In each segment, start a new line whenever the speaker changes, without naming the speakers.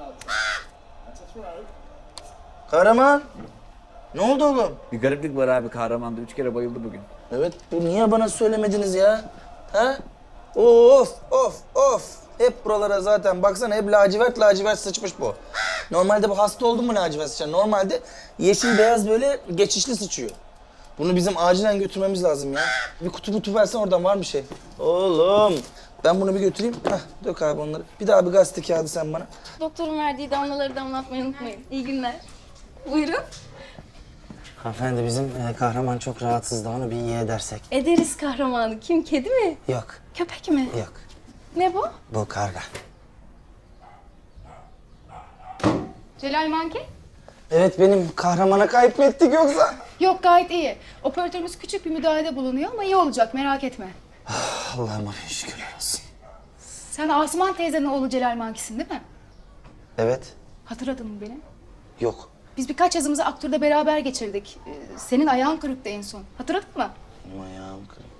Kahraman. Ne oldu oğlum?
Bir gariplik var abi, kahramanda 3 kere bayıldı bugün.
Evet, bu niye bana söylemediniz ya? Ha? Of, of, of. Hep buralara zaten baksana hep lacivert sıçmış bu. Normalde bu hasta oldu mu lacivert sıçar? Normalde yeşil beyaz böyle geçişli sıçıyor. Bunu bizim acilen götürmemiz lazım ya. Bir kutu versen oradan var bir şey. Oğlum. Ben bunu bir götüreyim. Hah, dök abi onları. Bir daha bir gazete kağıdı sen bana.
Doktorun verdiği damlaları damlatmayı unutmayın. İyi günler. Buyurun.
Hanımefendi bizim kahraman çok rahatsız da onu bir iyi edersek.
Ederiz kahramanı. Kim? Kedi mi?
Yok,
Köpek mi?
yok.
Ne bu?
Bu karga.
Celal Manke?
Evet benim kahramana kayıp mı ettik yoksa?
Yok gayet iyi. Operatörümüz küçük bir müdahalede bulunuyor ama iyi olacak merak etme.
Allah'ıma bin şükürler olsun.
Sen Asuman teyzenin oğlu Celal Manki'sin değil mi?
Evet,
Hatırladın mı beni?
yok.
Biz birkaç yazımızı aktörde beraber geçirdik. Senin ayağın kırıktı en son. Hatırladın mı?
Benim ayağım kırık.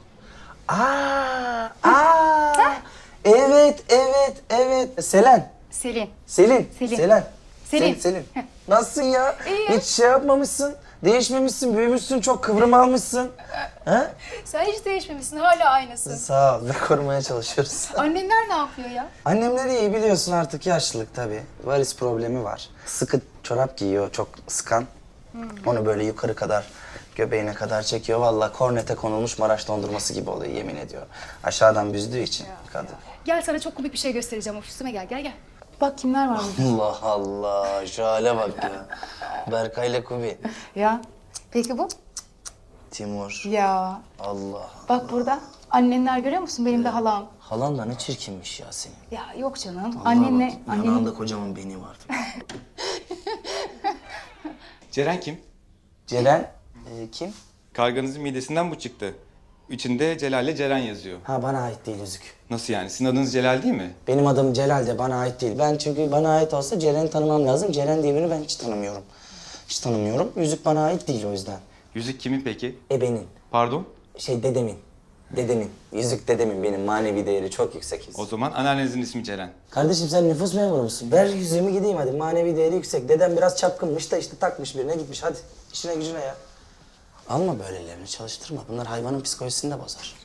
Evet, evet, evet. Selen.
Selin.
Selin.
Selin.
Selen.
Selin.
Selin.
Heh.
Nasılsın ya?
İyi.
Hiç şey yapmamışsın. Değişmemişsin, büyümüşsün, çok kıvrım almışsın. Ha?
Sen hiç değişmemişsin. Hala aynısın.
Sağ ol, ve korumaya çalışıyoruz.
Annenler ne yapıyor ya?
Annemler iyi biliyorsun artık yaşlılık tabii. Varis problemi var. Sıkı çorap giyiyor, çok sıkan. Onu böyle yukarı kadar, göbeğine kadar çekiyor. Vallahi kornete konulmuş Maraş dondurması gibi oluyor yemin ediyorum. Aşağıdan büzdüğü için kadın.
Gel sana çok komik bir şey göstereceğim. Ofisime gel, gel. Bak kimler var burada.
Allah Allah, şu hale bak ya. Berkay'la Kubi.
Ya. Peki bu?
Timur.
Ya.
Allah.
Bak burada. Annenler görüyor musun? Benim de halam.
Halan da ne çirkinmiş ya senin.
Ya yok canım.
Vallahi
Annenle...
bak, yanağında kocaman beni vardı.
Ceren kim?
Ceren, kim?
Karganızın midesinden bu çıktı. İçinde Celal'le Ceren yazıyor.
Ha bana ait değil yüzük.
Nasıl yani? Sizin adınız Celal değil mi?
Benim adım Celal de bana ait değil. Ben çünkü bana ait olsa Ceren'i tanımam lazım. Ceren diye birini ben hiç tanımıyorum. Hiç tanımıyorum. Yüzük bana ait değil o yüzden.
Yüzük kimin peki?
Ebenin.
Pardon?
Dedemin. Dedemin. Yüzük dedemin. Benim manevi değeri çok yüksek yüzük.
O zaman anneannenizin ismi Ceren.
Kardeşim sen nüfus memuru musun? Ver yüzüğümü gideyim hadi. Manevi değeri yüksek. Dedem biraz çapkınmış da işte takmış birine gitmiş. Hadi işine gücüne ya. Alma böylelerini çalıştırma. Bunlar hayvanın psikolojisini de bozar.